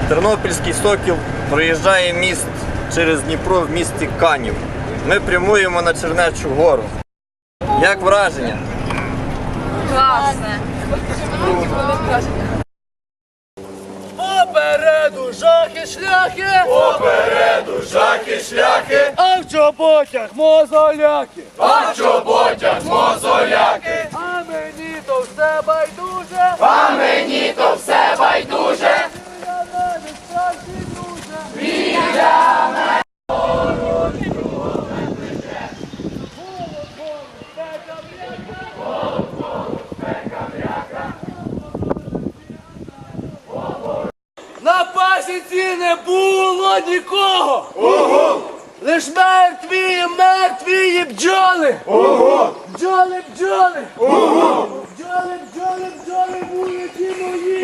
Тернопільський Сокіл проїжджає міст через Дніпро в місті Канів. Ми прямуємо на Чернечу гору. Як враження? Класне. Попереду жахи-шляхи, Попереду жахи-шляхи, а в чоботях мозоляки. а в чоботях мозоляки. А мені то все байдуже, А мені то все байдуже. я навіть справді дуже. На пасіці не було нікого. Ого! Лиш мертві бджоли. Ого! Бджоли, бджоли. Ого! Бджоли, бджоли, бджоли, вулиці мої.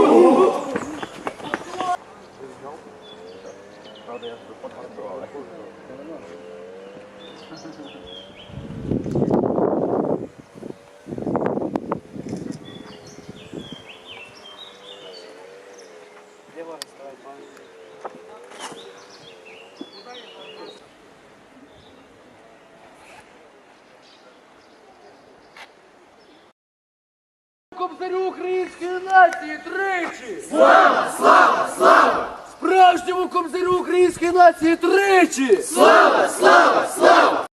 Кобзарю української нації тричі! Слава, слава, слава! Справжньому кобзарю української нації тричі! Слава, слава, слава!